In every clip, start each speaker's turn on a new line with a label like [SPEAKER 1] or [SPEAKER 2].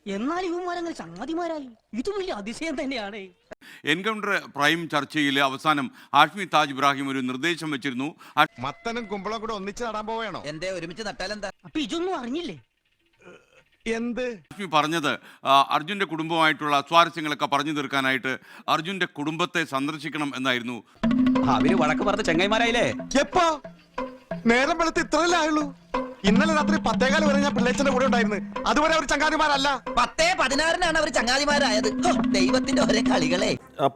[SPEAKER 1] എന്നാൽ ഇവന്മാരങ്ങനെ ചങ്ങാതിമാരായി. ഇത് വലിയ അതിശയം തന്നെയാണ്.
[SPEAKER 2] എൻകൗണ്ടർ പ്രൈം ചർച്ചയിൽ അവസാനം ഹാഷ്മി താജ് ഇബ്രാഹിം ഒരു നിർദ്ദേശം വെച്ചിരുന്നു.
[SPEAKER 3] മത്തനും കുമ്പളം കൂടെ ഒന്നിച്ച് നടാൻ പോവേണോ?
[SPEAKER 4] എന്തേ ഒരുമിച്ച് നട്ടാലെന്താ?
[SPEAKER 1] അപ്പൊ ഇതൊന്നും അറിഞ്ഞില്ലേ?
[SPEAKER 3] എന്ത്
[SPEAKER 2] ഹാഷ്മി പറഞ്ഞത് അർജുന്റെ കുടുംബമായിട്ടുള്ള സ്വാരസ്യങ്ങളൊക്കെ പറഞ്ഞു തീർക്കാനായിട്ട് അർജുന്റെ കുടുംബത്തെ സന്ദർശിക്കണം എന്നായിരുന്നു.
[SPEAKER 4] അവര് വഴക്ക് പറഞ്ഞ ചെങ്ങൈമാരായില്ലേ?
[SPEAKER 3] എപ്പോ? നേരം വെളുത്ത് ഇത്രയല്ലേ ആയുള്ളൂ? ഇന്നലെ രാത്രി 10:15 വരെ ഞാൻ പിള്ളേച്ചന്റെ കൂടെ ഉണ്ടായിരുന്നു. അതുവരെ അവർ ചങ്ങാതിമാരല്ല.
[SPEAKER 4] 10:16 അവർ ചങ്ങാതിമാരായത്. ദൈവത്തിന്റെ ഒരേ കളികളെ.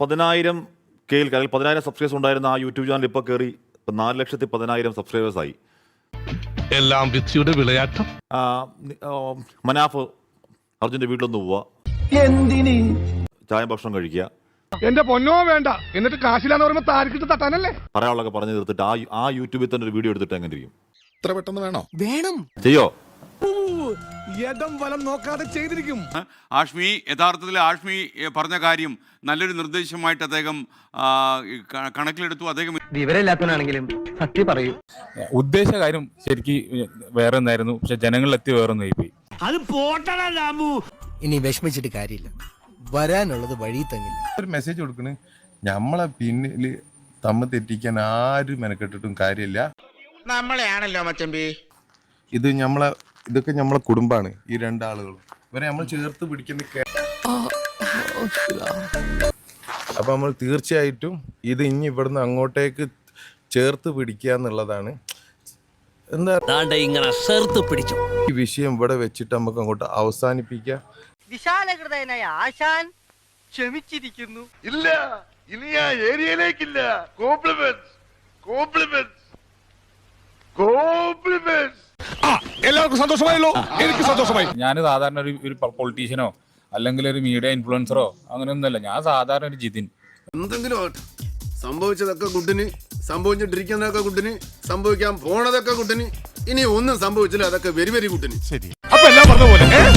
[SPEAKER 5] 10,000 സബ്സ്ക്രൈബേഴ്സ് ഉണ്ടായിരുന്ന ആ യൂട്യൂബ് ചാനൽ ഇപ്പോൾ കയറി 4,10,000 സബ്സ്ക്രൈബേഴ്സ് ആയി.
[SPEAKER 6] എല്ലാം വിധിയുടെ വിളയാട്ടം.
[SPEAKER 5] മനാഫ് അർജുന്റെ വീട്ടിലൊന്ന് പോവുക, ചായ ഭക്ഷണം കഴിക്കുക,
[SPEAKER 6] എന്റെ പൊന്നോ വേണ്ട, എന്നിട്ട് കാശിലാന്ന് പറയുമ്പോ താരിക്കിട്ട് തട്ടാനല്ലേ?
[SPEAKER 5] പറയാനുള്ളതൊക്കെ പറഞ്ഞു തീർത്തിട്ട് ആ യൂട്യൂബിൽ തന്നെ ഒരു വീഡിയോ എടുത്തിട്ട് എങ്ങനെ ഇരിക്കും?
[SPEAKER 3] ഇത്ര പെട്ടെന്ന് വേണോ?
[SPEAKER 1] വേണം.
[SPEAKER 5] ചെയ്യോ?
[SPEAKER 3] യഥം വലം നോക്കാതെ ചെയ്തിരിക്കും.
[SPEAKER 2] ഹാഷ്മി യഥാർത്ഥത്തിൽ ഹാഷ്മി പറഞ്ഞ കാര്യം നല്ലൊരു നിർദ്ദേശമായിട്ട് അദ്ദേഹം കണക്കിലെടുത്തു. അദ്ദേഹം
[SPEAKER 7] വിവരമില്ലാത്തവനാണെങ്കിലും സത്യം പറയൂ.
[SPEAKER 8] ഉദ്ദേശ കാര്യം ശരിക്കും വേറെ ഒന്നായിരുന്നു, പക്ഷെ ജനങ്ങളിലെത്തി വേറെ ഒന്നായി പോയി.
[SPEAKER 1] അത് പോട്ടടാ രാമു.
[SPEAKER 7] ഇനി വിഷമിച്ചിട്ട് കാര്യമില്ല, വരാനുള്ളത് വഴി തങ്ങില്ല.
[SPEAKER 9] ഒരു മെസ്സേജ് കൊടുക്കണ്, നമ്മളെ പിന്നില് തമ്മിൽ തെറ്റിക്കാൻ ആരും മെനക്കെട്ടിട്ടും കാര്യമില്ല.
[SPEAKER 3] നമ്മളെയാണല്ലോ മച്ചമ്പി.
[SPEAKER 9] ഇതൊക്കെ നമ്മളെ കുടുംബാണ്. ഈ രണ്ടാളുകളും ഇവരെ നമ്മൾ ചേർത്ത് പിടിക്കുന്ന. അപ്പൊ നമ്മൾ തീർച്ചയായിട്ടും ഇത് ഇനി ഇവിടുന്ന് അങ്ങോട്ടേക്ക് ചേർത്ത് പിടിക്കുക എന്നുള്ളതാണ്. എന്താ
[SPEAKER 4] ഇങ്ങനെ ചേർത്ത് പിടിച്ചു.
[SPEAKER 9] ഈ വിഷയം ഇവിടെ വെച്ചിട്ട് നമുക്ക് അങ്ങോട്ട് അവസാനിപ്പിക്കാം.
[SPEAKER 1] വിശാലഹൃദയനായ ആശാൻ ക്ഷമിച്ചിരിക്കുന്നു.
[SPEAKER 6] ഇല്ല, ഇനി ആ ഏരിയയിലേക്കില്ല. Compliments, compliments, compliments.
[SPEAKER 3] എല്ലാവർക്കും സന്തോഷമായല്ലോ? എനിക്ക് സന്തോഷമായി.
[SPEAKER 8] ഞാൻ സാധാരണ ഒരു പൊളിറ്റീഷ്യനോ അല്ലെങ്കിൽ ഒരു മീഡിയ ഇൻഫ്ലുവൻസറോ അങ്ങനെയൊന്നുമല്ല. ഞാൻ സാധാരണ ഒരു ജിതിൻ.
[SPEAKER 10] എന്തെങ്കിലും സംഭവിച്ചതൊക്കെ കുട്ടിന്, സംഭവിച്ചിട്ടിരിക്കുന്നതൊക്കെ കുട്ടിന്, സംഭവിക്കാൻ പോണതൊക്കെ കുട്ടിന്, ഇനി ഒന്നും സംഭവിച്ചില്ല അതൊക്കെ വെരി വെരി കുട്ടിന്.
[SPEAKER 3] ശരി, അപ്പൊ എല്ലാം പറഞ്ഞ പോലെ